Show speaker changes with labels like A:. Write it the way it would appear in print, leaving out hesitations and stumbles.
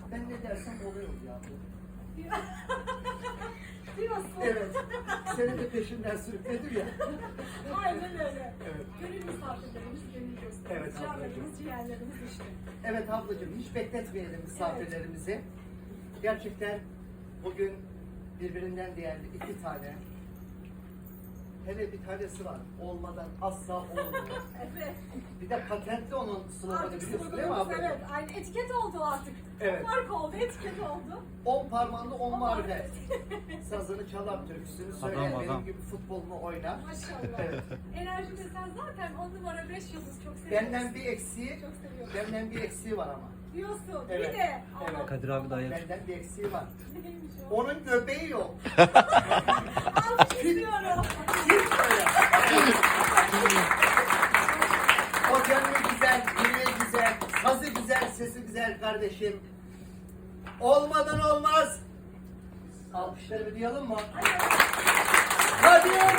A: Ben ne dersem oluyor ya.
B: Diyorsun.
A: Evet. Seni de peşinden sürükledim ya.
B: Aynen öyle.
A: Evet.
B: Gönül misafirlerimiz, gönül dostlarımız,
A: Evet,
B: canlarımız, ciğerlerimiz işte.
A: Evet ablacığım, hiç bekletmeyelim misafirlerimizi. Gerçekten bugün birbirinden değerli iki tane. Hele bir tanesi var. Olmadan asla olmuyor.
B: Evet.
A: Bir de patentli onun sloganı
B: Artık
A: biliyorsun değil mi
B: sloganımız,
A: ablacığım?
B: evet. Aynı etiket oldu artık.
A: Evet.
B: Marka oldu, etiket oldu.
A: 10 parmağında 10
B: On
A: marifet. Sazını çalar, türküsünü söyle,
C: Adam,
A: benim
C: adam.
A: gibi futbolunu oynar.
B: Maşallah.
A: Evet.
B: Enerji desen zaten 10 numara 5 yıldız çok seviyoruz.
A: Benden bir eksiği,
B: Çok seviyorum.
A: benden bir eksiği var ama.
B: Diyorsun.
A: Evet.
B: Bir de.
A: Evet.
B: Allah
C: Kadir abi dayı.
A: Benden bir eksiği var.
B: Neymiş o?
A: Onun göbeği yok.
B: Almış istiyorum.
A: Hiç öyle. O gönlü güzel, yüreği güzel, sazı güzel, sesi güzel kardeşim. Olmadan olmaz. Alkışları bir duyalım mı? Kadir